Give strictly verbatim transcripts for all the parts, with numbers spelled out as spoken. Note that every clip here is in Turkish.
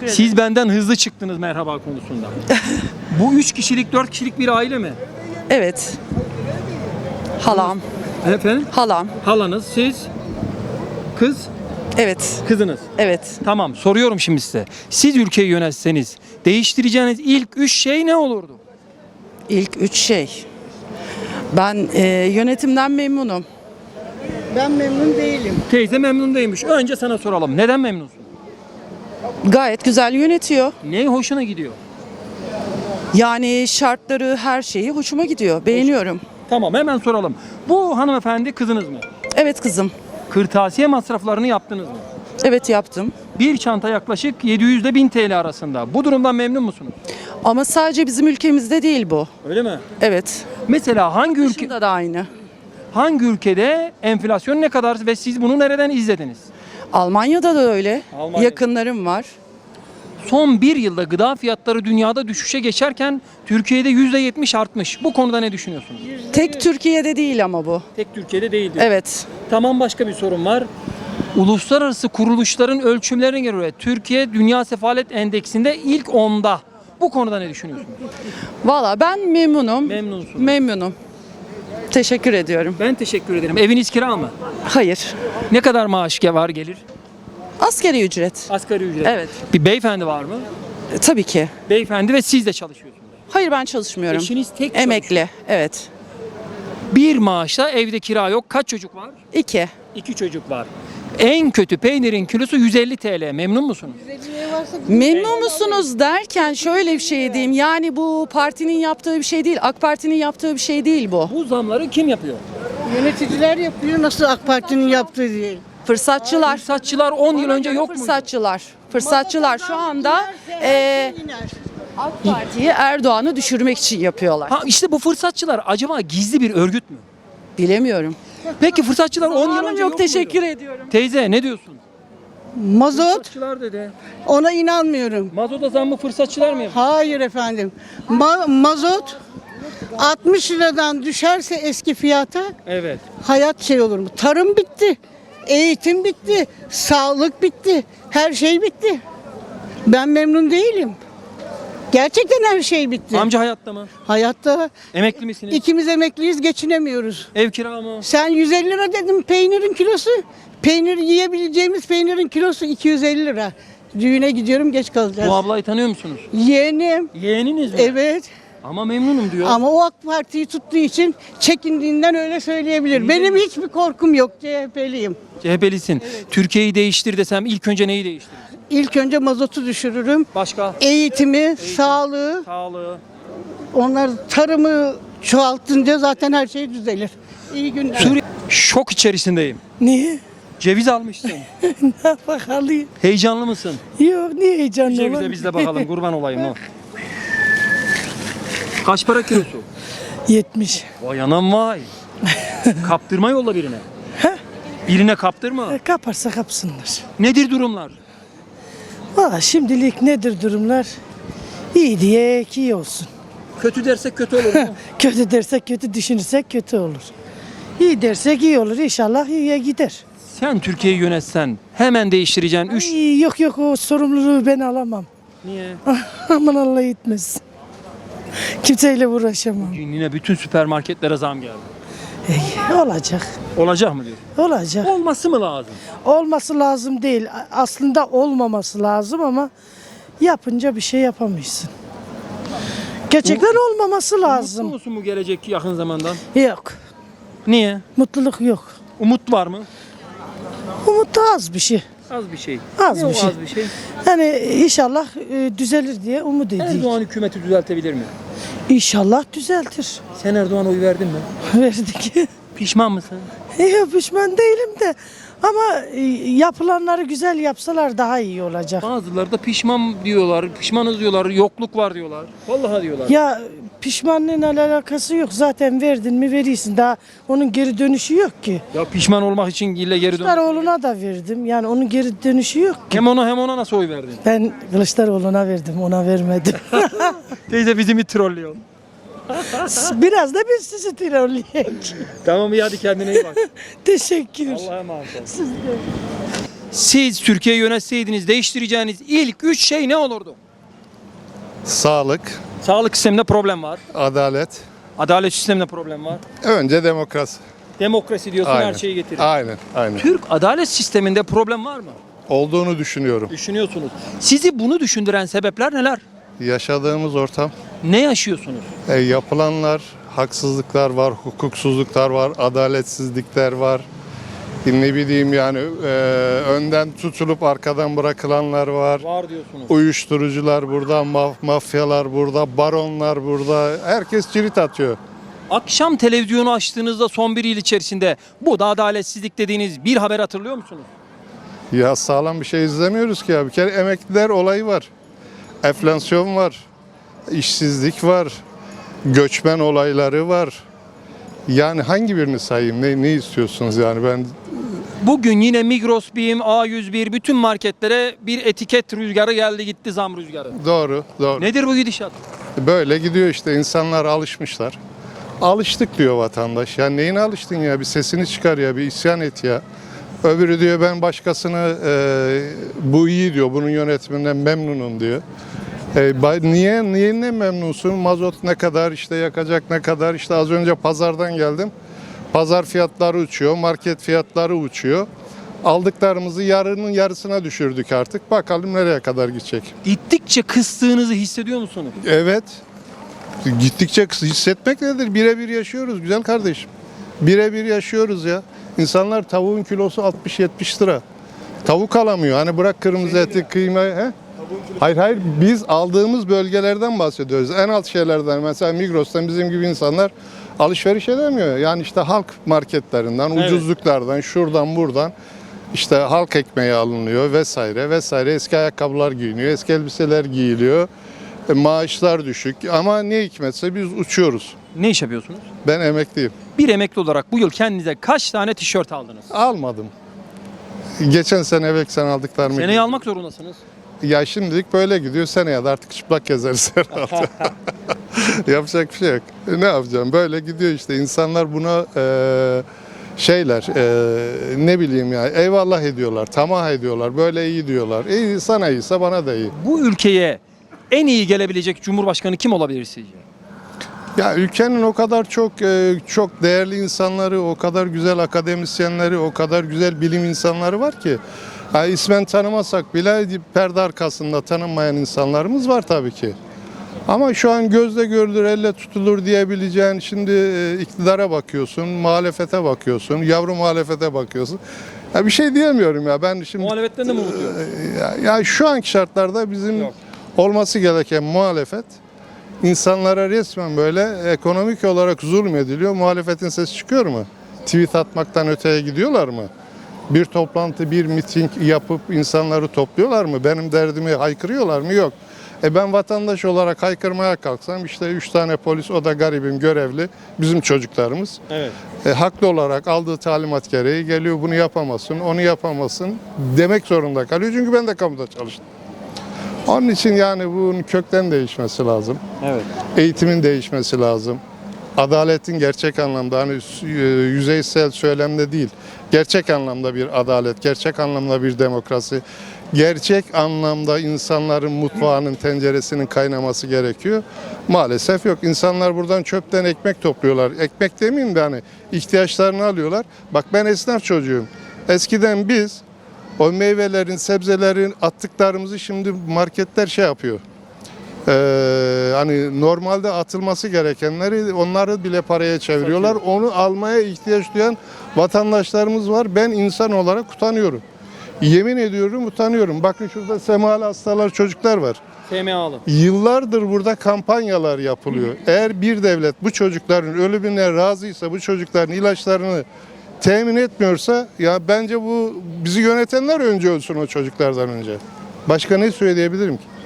Teşekkür ederim. Siz benden hızlı çıktınız merhaba konusunda. Bu üç kişilik, dört kişilik bir aile mi? Evet. Halam. Efendim? Halam. Halanız, siz, kız, Evet. kızınız. Evet. Tamam, soruyorum şimdi size. Siz ülkeyi yönetseniz değiştireceğiniz ilk üç şey ne olurdu? İlk üç şey. Ben e, yönetimden memnunum. Ben memnun değilim. Teyze memnun değilmiş. Önce sana soralım. Neden memnunsun? Gayet güzel yönetiyor. Ne hoşuna gidiyor? Yani şartları, her şeyi hoşuma gidiyor. Beğeniyorum. Tamam, hemen soralım. Bu hanımefendi kızınız mı? Evet kızım. Kırtasiye masraflarını yaptınız mı? Evet yaptım. Bir çanta yaklaşık yedi yüz ile bin T L arasında. Bu durumdan memnun musunuz? Ama sadece bizim ülkemizde değil bu. Öyle mi? Evet. Mesela hangi ülke Dışında da aynı. hangi ülkede enflasyon ne kadar ve siz bunu nereden izlediniz? Almanya'da da öyle. Almanya'da. Yakınlarım var. Son bir yılda gıda fiyatları dünyada düşüşe geçerken Türkiye'de yüzde yetmiş artmış. Bu konuda ne düşünüyorsunuz? Tek Türkiye'de değil ama bu. Tek Türkiye'de değil diyor. Evet. Tamam, başka bir sorun var. Uluslararası kuruluşların ölçümlerine göre Türkiye Dünya Sefalet Endeksinde ilk onda. Bu konuda ne düşünüyorsunuz? Valla ben memnunum. Memnunsunuz. Memnunum. Teşekkür ediyorum. Ben teşekkür ederim. Eviniz kira mı? Hayır. Ne kadar maaş var gelir? Asgari ücret. Asgari ücret. Evet. Bir beyefendi var mı? E, tabii ki. Beyefendi ve siz de çalışıyorsunuz. Hayır ben çalışmıyorum. Eşiniz tek Emekli. Evet. Bir maaşla evde kira yok. Kaç çocuk var? İki. İki çocuk var. En kötü peynirin kilosu yüz elli T L. Memnun musunuz? Memnun musunuz derken şöyle bir şey diyeyim. Yani bu partinin yaptığı bir şey değil. AK Parti'nin yaptığı bir şey değil bu. Bu zamları kim yapıyor? Yöneticiler yapıyor nasıl AK Parti'nin yaptığı değil. Fırsatçılar. Fırsatçılar on yıl önce yok muydu? Fırsatçılar. Fırsatçılar şu anda e, AK Parti'yi Erdoğan'ı düşürmek için yapıyorlar. Ha, işte bu fırsatçılar acaba gizli bir örgüt mü? Bilemiyorum. Peki fırsatçılar on yıl Hanım önce yok, yok teşekkür muydu? ediyorum. Teyze ne diyorsun? Mazot Fırsatçılar dedi. ona inanmıyorum. Mazota zammı fırsatçılar mı yapıyor? Hayır efendim. Ma- mazot altmış liradan düşerse eski fiyata Evet. hayat şey olur mu? Tarım bitti. Eğitim bitti. Sağlık bitti. Her şey bitti. Ben memnun değilim. Gerçekten her şey bitti. Amca hayatta mı? Hayatta Emekli misiniz? ikimiz emekliyiz, geçinemiyoruz. Ev kira mı? Sen yüz elli lira dedim peynirin kilosu. Peynir yiyebileceğimiz peynirin kilosu iki yüz elli lira. Düğüne gidiyorum, geç kalacağız. Bu ablayı tanıyor musunuz? Yeğenim. Yeğeniniz mi? Evet. Ama memnunum diyor. Ama o AK Parti'yi tuttuğu için çekindiğinden öyle söyleyebilir. Benim hiçbir korkum yok. C H P'liyim. C H P'lisin. Türkiye'yi değiştir desem ilk önce neyi değiştirir? İlk önce mazotu düşürürüm. Başka? Eğitimi, sağlığı, Sağlığı. onlar tarımı çoğaltınca zaten her şey düzelir. İyi günler. Suriye. Şok içerisindeyim. Niye? Ceviz almışsın. Ne bakalım? Heyecanlı mısın? Yok niye heyecanlı Cevize olan? biz de bakalım, kurban olayım o. Kaç para kilosu? yetmiş. Vay anam vay. Kaptırma yolla birine. Birine kaptırma. E, Kaparsa kapsınlar. Nedir durumlar? Valla şimdilik nedir durumlar? İyi diye iyi olsun. Kötü dersek kötü olur mu? Kötü dersek kötü, düşünürsek kötü olur. İyi dersek iyi olur. İnşallah iyiye gider. Sen Türkiye'yi yönetsen hemen değiştireceğin üç... Ay, yok yok o sorumluluğu ben alamam. Niye? Aman Allah etmesin. Kimseyle uğraşamam. Yine bütün süpermarketlere zam geldi. Ey, olacak. Olacak mı diyor? Olacak. Olması mı lazım? Olması lazım değil. Aslında olmaması lazım ama yapınca bir şey yapamıyorsun. Gerçekten olmaması lazım. Mutlu musun bu gelecek yakın zamandan? Yok. Niye? Mutluluk yok. Umut var mı? Umut da az bir şey. Az bir şey. Az Ne bir o şey. az bir şey? Yani inşallah e, düzelir diye umut ediyoruz. Erdoğan hükümeti düzeltebilir mi? İnşallah düzeltir. Sen Erdoğan'a oy verdin mi? Verdik. Pişman mısın? Yok pişman değilim de ama e, yapılanları güzel yapsalar daha iyi olacak. Bazıları da pişman diyorlar, pişmanız diyorlar, yokluk var diyorlar. Vallahi diyorlar. Ya pişmanlığın alakası yok. Zaten verdin mi verirsin. Daha onun geri dönüşü yok ki. Ya pişman olmak için ille geri dön. Kılıçdaroğlu'na da verdim. Yani onun geri dönüşü yok ki. Hem ona hem ona nasıl oy verdin? Ben Kılıçdaroğlu'na verdim, ona vermedim. Teyze bizi mi trollüyor? Biraz da biz sizi trolleyek. Tamam iyi hadi kendine iyi bak. Teşekkür. Allah'a emanet ol. Siz Türkiye'yi yönetseydiniz değiştireceğiniz ilk üç şey ne olurdu? Sağlık, Sağlık sisteminde problem var. adalet, Adalet sisteminde problem var. önce demokrasi. Demokrasi diyorsun Aynen. her şeyi getirir. Aynen, aynen. Türk adalet sisteminde problem var mı? Olduğunu düşünüyorum. Düşünüyorsunuz. Sizi bunu düşündüren sebepler neler? Yaşadığımız ortam, Ne yaşıyorsunuz? e, yapılanlar, haksızlıklar var, hukuksuzluklar var, adaletsizlikler var. E, Ne bileyim yani e, önden tutulup arkadan bırakılanlar var. Var diyorsunuz. Uyuşturucular burada, maf- mafyalar burada, baronlar burada. Herkes cirit atıyor. Akşam televizyonu açtığınızda son bir yıl içerisinde bu da adaletsizlik dediğiniz bir haber hatırlıyor musunuz? Ya sağlam bir şey izlemiyoruz ki ya. Bir kere emekliler olayı var. Enflasyon var. İşsizlik var. Göçmen olayları var. Yani hangi birini sayayım? Ne, ne istiyorsunuz yani ben Bugün yine Migros, BİM, A yüz bir bütün marketlere bir etiket rüzgarı geldi gitti, zam rüzgarı. doğru doğru. Nedir bu gidişat? Böyle gidiyor işte, insanlar alışmışlar. Alıştık diyor vatandaş. Ya neyine alıştın ya? Bir sesini çıkar ya, bir isyan et ya. Öbürü diyor ben başkasını e, bu iyi diyor, bunun yönetiminden memnunum diyor. E, ba- niye niye ne memnunsun? Mazot ne kadar, işte yakacak ne kadar? İşte az önce pazardan geldim. Pazar fiyatları uçuyor, market fiyatları uçuyor. Aldıklarımızı yarının yarısına düşürdük artık. Bakalım nereye kadar gidecek. Gittikçe kıstığınızı hissediyor musunuz? Evet. Gittikçe kıs- hissetmek nedir? Birebir yaşıyoruz güzel kardeşim. Birebir yaşıyoruz ya. İnsanlar tavuğun kilosu altmış yetmiş lira. Tavuk alamıyor. Hani bırak kırmızı eti, kıymayı. He? Hayır hayır, biz aldığımız bölgelerden bahsediyoruz. En alt şeylerden, mesela Migros'tan bizim gibi insanlar alışveriş edemiyor. Yani işte halk marketlerinden, Evet. ucuzluklardan, şuradan buradan işte halk ekmeği alınıyor vesaire vesaire. Eski ayakkabılar giyiniyor, eski elbiseler giyiliyor. E, maaşlar düşük ama ne hikmetse biz uçuyoruz. Ne iş yapıyorsunuz? Ben emekliyim. Bir emekli olarak bu yıl kendinize kaç tane tişört aldınız? Almadım. Geçen sene evvelsen aldıklarımı. Seneyi almak zorundasınız. Ya şimdilik böyle gidiyor. Seneye de artık çıplak gezeriz herhalde. Yapacak bir şey yok. E, Ne yapacağım? Böyle gidiyor işte. İnsanlar buna e, şeyler e, ne bileyim ya, eyvallah ediyorlar, tamah ediyorlar. Böyle iyi diyorlar. İyi, sana iyiyse bana da iyi. Bu ülkeye en iyi gelebilecek Cumhurbaşkanı kim olabilir sizce? Ya ülkenin o kadar çok e, çok değerli insanları, o kadar güzel akademisyenleri, o kadar güzel bilim insanları var ki. Ha, ismen tanımasak bile perde arkasında tanınmayan insanlarımız var tabii ki. Ama şu an gözle görülür, elle tutulur diyebileceğin, şimdi e, iktidara bakıyorsun, muhalefete bakıyorsun, yavru muhalefete bakıyorsun. Ya bir şey diyemiyorum ya ben şimdi. Muhalefetten de mi umutluyum? Ya, ya şu anki şartlarda bizim Yok. olması gereken muhalefet, insanlara resmen böyle ekonomik olarak zulmediliyor. Muhalefetin sesi çıkıyor mu? Tweet atmaktan öteye gidiyorlar mı? Bir toplantı, bir miting yapıp insanları topluyorlar mı? Benim derdimi haykırıyorlar mı? Yok. E ben vatandaş olarak haykırmaya kalksam işte üç tane polis, o da garibim, görevli, bizim çocuklarımız. Evet. E, haklı olarak aldığı talimat gereği geliyor, bunu yapamazsın, onu yapamazsın demek zorunda kalıyor. Çünkü ben de kamuda çalıştım. Onun için yani bunun kökten değişmesi lazım. Evet. Eğitimin değişmesi lazım. Adaletin gerçek anlamda, hani yüzeysel söylemde değil, gerçek anlamda bir adalet, gerçek anlamda bir demokrasi, gerçek anlamda insanların mutfağının, tenceresinin kaynaması gerekiyor. Maalesef yok. İnsanlar buradan çöpten ekmek topluyorlar. Ekmek demeyeyim de hani ihtiyaçlarını alıyorlar. Bak ben esnaf çocuğum. Eskiden biz o meyvelerin, sebzelerin attıklarımızı şimdi marketler şey yapıyor. Ee, hani normalde atılması gerekenleri onları bile paraya çeviriyorlar. Onu almaya ihtiyaç duyan vatandaşlarımız var. Ben insan olarak utanıyorum. Yemin ediyorum utanıyorum. Bakın şurada semalı hastalar, çocuklar var. F M A'lı. Yıllardır burada kampanyalar yapılıyor. Eğer bir devlet bu çocukların ölümüne razıysa, bu çocukların ilaçlarını temin etmiyorsa, ya bence bu bizi yönetenler önce ölsün o çocuklardan önce. Başka ne söyleyebilirim ki?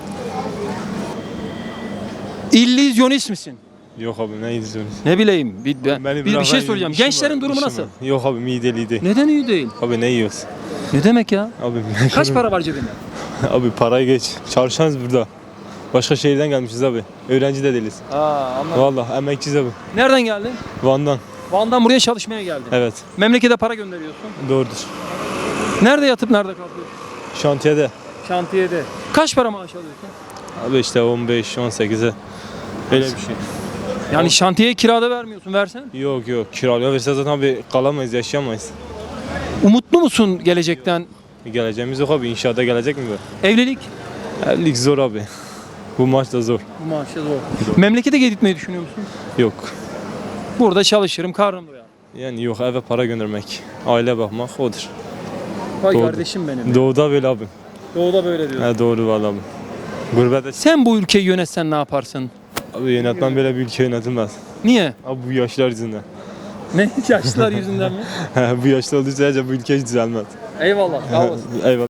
İllüzyonist misin? Yok abi ne izliyorsunuz? Ne bileyim. Bir, ben- Beni bir, bir bırak, şey ben soracağım. işim Gençlerin var, durumu işim nasıl? var. Yok abi mideliydi. Neden iyi değil? Abi ne yiyoruz? Ne demek ya? Abi Kaç para var cebinde? Abi parayı geç. Çalışanız burada. Başka şehirden gelmişiz abi. Öğrenci de değiliz. Aa, anladım. Vallahi emekçiyiz abi. Nereden geldin? Van'dan. Van'dan buraya çalışmaya geldin. Evet. Memlekete para gönderiyorsun. Doğrudur. Nerede yatıp nerede kalkıyorsun? Şantiyede. Şantiyede. Kaç para maaş alıyorsun? Abi işte on beş on sekize. Öyle bir şey. Yani şantiyeye kirada vermiyorsun, versen. Yok yok kiralıyor verse zaten abi kalamayız yaşayamayız. Umutlu musun gelecekten? Geleceğimiz yok abi inşaata gelecek mi bu? Evlilik? Evlilik zor abi. Bu maç da zor. Bu maaşla zor. Memlekete gitmeyi düşünüyor musun? Yok. Burada çalışırım, karnım doyar. Yani yok eve para göndermek. Aile bakmak odur. Vay Doğru. kardeşim benim. Doğuda böyle abi. Doğuda böyle diyor. He doğru valla abi. Gurbette Sen bu ülkeyi yönetsen ne yaparsın? abi yönetmen böyle bir ülke yönetilmez. Niye? Abi bu yaşlar yüzünden. Ne? Yaşlılar yüzünden mi? bu yaşlı olduğu sürece bu ülke hiç düzelmez. Eyvallah. Sağ olasın. Eyvallah.